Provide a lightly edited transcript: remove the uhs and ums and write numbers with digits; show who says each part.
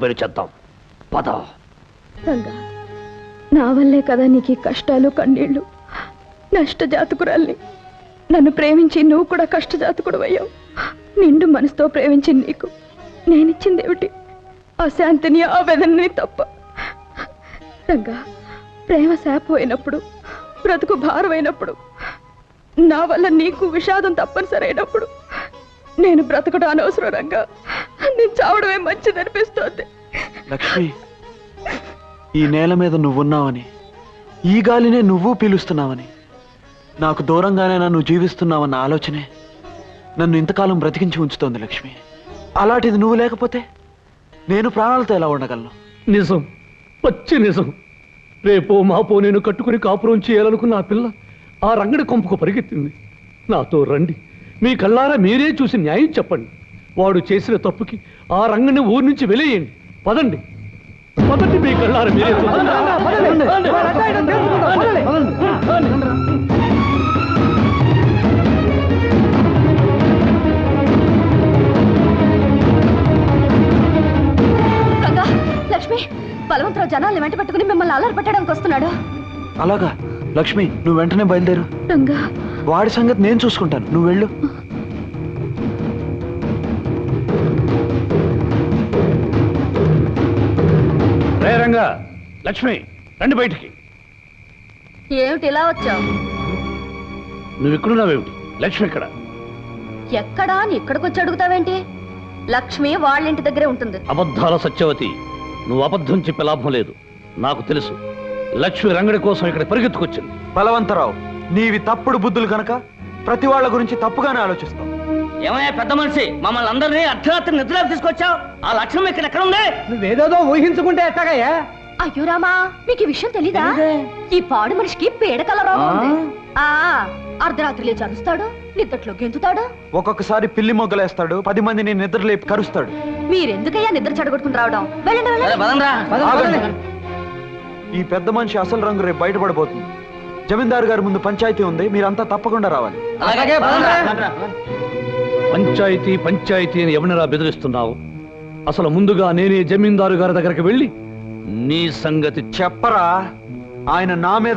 Speaker 1: పని చేద్దాం. పద.
Speaker 2: రంగా, నా వల్లే కదా నీకు ఈ కష్టాలు కన్నీళ్లు. నష్టజాతకురాల్ని. నన్ను ప్రేమించి నువ్వు కూడా కష్టజాతకుడు అయ్యావు. నిండు మనసుతో ప్రేమించి నీకు నేనిచ్చిందేమిటి? ఆ శాంతిని, ఆ వేదనని తప్ప. రంగా, ప్రేమ శాపమైనప్పుడు, బ్రతుకు భారమైనప్పుడు, నా వల్ల నీకు విషాదం తప్పనిసరి అయినప్పుడు నేను బ్రతకడం అనవసరం. రంగా, నేను చావడమే మంచిదనిపిస్తోంది.
Speaker 3: లక్ష్మి, ఈ నేల మీద నువ్వున్నావని, ఈ గాలినే నువ్వు పీలుస్తున్నావని, నాకు దూరంగానే నన్ను జీవిస్తున్నావన్న ఆలోచనే నన్ను ఇంతకాలం బ్రతికించి ఉంచుతోంది లక్ష్మి. అలాంటిది నువ్వు లేకపోతే నేను ప్రాణాలతో ఎలా ఉండగలను?
Speaker 1: నిజం, పచ్చి నిజం. రేపో మాపో నేను కట్టుకుని కాపురం చేయాలనుకున్న ఆ పిల్ల ఆ రంగడి కొంపకు పరిగెత్తింది. నాతో రండి, మీ కళ్ళారా మీరే చూసి న్యాయం చెప్పండి. వాడు చేసిన తప్పుకి ఆ రంగని ఊరి నుంచి వెలేయండి. పదండి, పదండి, మీ కళ్ళారా మీరే చూడండి.
Speaker 2: లక్ష్మి, బలవంతరావు జనాల్ని వెంట పెట్టుకుని మిమ్మల్ని అల్లరి పెట్టడానికి వస్తున్నాడు.
Speaker 3: అలాగా? లక్ష్మి, నువ్వు వెంటనే బయలుదేరు.
Speaker 2: రంగా,
Speaker 3: వాడి సంగతి నేను చూసుకుంటాను, నువ్వు వెళ్ళు.
Speaker 1: రే రంగా, లక్ష్మి, రండి బయటికి.
Speaker 2: ఏమిటి ఇలా వచ్చావు?
Speaker 1: నువ్వు ఇక్కడున్నావేమిటి? లక్ష్మి ఎక్కడ?
Speaker 2: ఎక్కడా అని ఇక్కడికి వచ్చి అడుగుతావేంటి? లక్ష్మి వాళ్ళ ఇంటి దగ్గరే ఉంటుంది.
Speaker 1: అబద్ధాల సత్యవతి, నువ్వు అబద్ధం చెప్పే లాభం లేదు. నాకు తెలుసు, లక్ష్మి రంగడి కోసం ఇక్కడ పరిగెత్తుకొచ్చింది.
Speaker 3: బలవంతరావు, నీవి తప్పుడు బుద్ధులు కనుక ప్రతి వాళ్ళ గురించి తప్పుగానే ఆలోచిస్తావు.
Speaker 4: ఏమయ్యా పెద్ద మనిషి, మమ్మల్ని అందరినీ అర్ధరాత్రి నిద్రలోకి తీసుకొచ్చావు. ఆ లక్ష్యం ఎక్కడ ఉంది?
Speaker 5: నువ్వేదో ఊహించుకుంటే ఎట్టగయ్యా?
Speaker 2: అయ్యో రామా, మీకు ఈ విషయం తెలీదా? ఈ పాడు మనిషికి పీడకల రోగం ఉంది. అర్ధరాత్రి లేచి అరుస్తాడు, నిద్రలో గెంతుతాడు,
Speaker 3: ఒక్కొక్కసారి పిల్లి మొగ్గలేస్తాడు, 10 మందిని నిద్ర లేపి కరుస్తాడు.
Speaker 2: మీరెందుకయ్యా నిద్ర చెడగొట్టుకుని రావడం? వెళ్ళండి, వెళ్ళండి.
Speaker 3: ఆగండి. ఈ పెద్ద మనిషి అసలు రంగు రేపు బయటపడబోతుంది. జమీందారు గారి ముందు పంచాయతీ ఉంది, మీరంతా తప్పకుండా రావాలి.
Speaker 1: పంచాయతీ పంచాయతీ అని ఎవరినరా బెదిరిస్తున్నావు? అసలు ముందుగా నేనే జమీందారు గారి దగ్గరికి వెళ్ళి నీ సంగతి
Speaker 3: చెప్పరా. ఆయన నా మీద